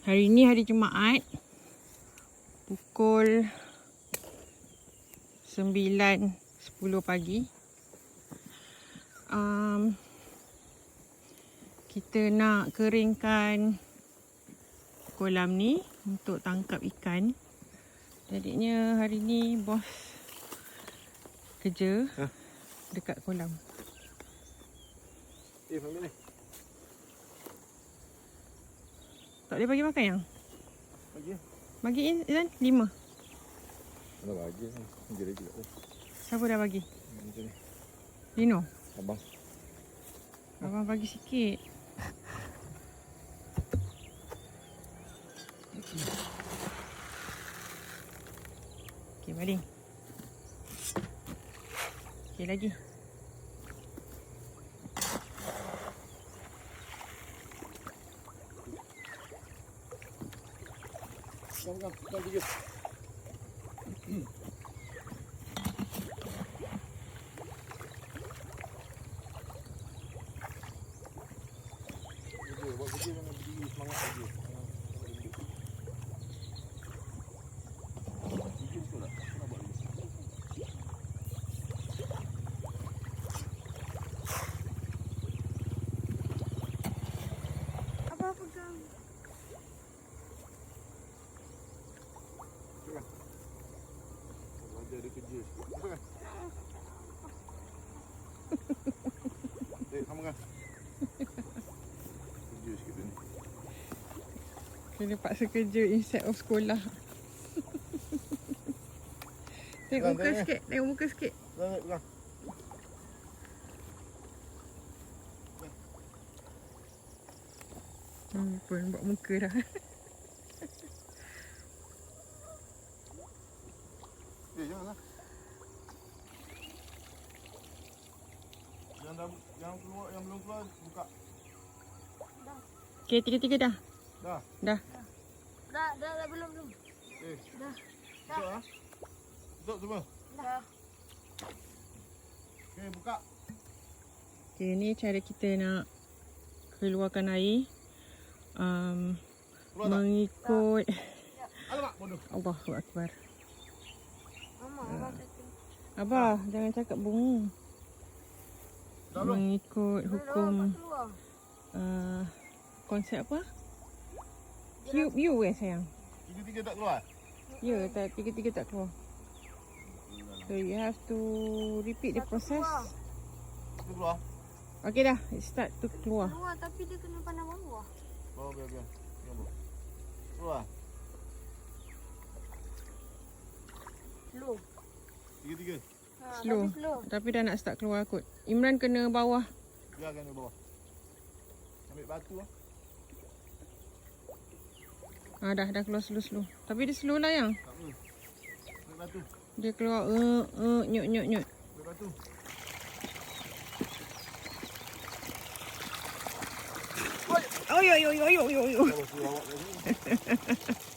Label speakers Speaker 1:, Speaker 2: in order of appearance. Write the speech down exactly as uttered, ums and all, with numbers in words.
Speaker 1: Hari ni hari Jumaat. Pukul sembilan sepuluh pagi. Um, kita nak keringkan kolam ni untuk tangkap ikan. Jadinya hari ni bos kerja ha? dekat kolam.
Speaker 2: Eh, ambil ni.
Speaker 1: Tak boleh bagi makan yang?
Speaker 2: Bagi.
Speaker 1: Bagi Izan, lima.
Speaker 2: Dah bagi kan. Jadi juga. Oh.
Speaker 1: Siapa dah bagi?
Speaker 2: Macam ni.
Speaker 1: Lino?
Speaker 2: Abang.
Speaker 1: Abang bagi sikit. Okey, baling. Okey, lagi.
Speaker 2: Pegang, pegang tiga. Buat kerja jangan berdiri, semangat saja. Tiga betul tak? Nak buat lagi.
Speaker 1: Apa pegang?
Speaker 2: Pegang. Raja ada kerja sikit. Pegang. Eh, sambungkan. Kerja sikit ni.
Speaker 1: Kena paksa kerja instead of sekolah. Tengok
Speaker 2: Pegang,
Speaker 1: muka
Speaker 2: tengok,
Speaker 1: sikit, tengok muka sikit.
Speaker 2: Pegang, pegang.
Speaker 1: Hmm, pun buat muka dah.
Speaker 2: Eh, janganlah. Yang dah, yang keluar, yang belum keluar, buka.
Speaker 1: Okey, tiga-tiga dah.
Speaker 2: Dah.
Speaker 1: Dah.
Speaker 3: Dah, dah, dah, belum, belum.
Speaker 2: Eh,
Speaker 3: Dah.
Speaker 2: tutup ah. Tutup semua.
Speaker 3: Dah.
Speaker 2: Okey, buka.
Speaker 1: Okey, ni cara kita nak keluarkan air. Um,
Speaker 2: Keluar tak?
Speaker 1: mengikut
Speaker 2: Alamak, bodoh.
Speaker 1: Allahu Akbar.
Speaker 3: Mama, abang kata.
Speaker 1: Abah, jangan cakap bunga.
Speaker 2: Dah belum?
Speaker 1: Mengikut hukum
Speaker 3: Dah, keluar.
Speaker 1: uh, konsep apa? You, you eh sayang.
Speaker 2: Tiga-tiga tak keluar?
Speaker 1: Ya, tak, tiga-tiga tak keluar. So you have to repeat the process.
Speaker 2: Satu keluar.
Speaker 1: Okey dah, it start to keluar.
Speaker 3: Keluar, tapi dia kena pandang bawah.
Speaker 2: Bawa, biar, biar. Biar, bawah. Keluar.
Speaker 3: Slow.
Speaker 2: Tiga-tiga.
Speaker 3: Ha,
Speaker 1: Slow.
Speaker 3: tapi slow.
Speaker 1: Tapi dah nak start keluar kot. Imran kena bawah.
Speaker 2: Biarkan dia bawah. Ambil batu lah.
Speaker 1: Ah dah dah keluar slow-slow. Tapi dia slow lah yang.
Speaker 2: Tak apa. Ambil batu.
Speaker 1: Dia keluar uh, uh, nyut nyut nyut.
Speaker 2: Ambil batu.
Speaker 1: Oh yo yo yo yo yo yo.
Speaker 2: Bawa suruh awak kat sini.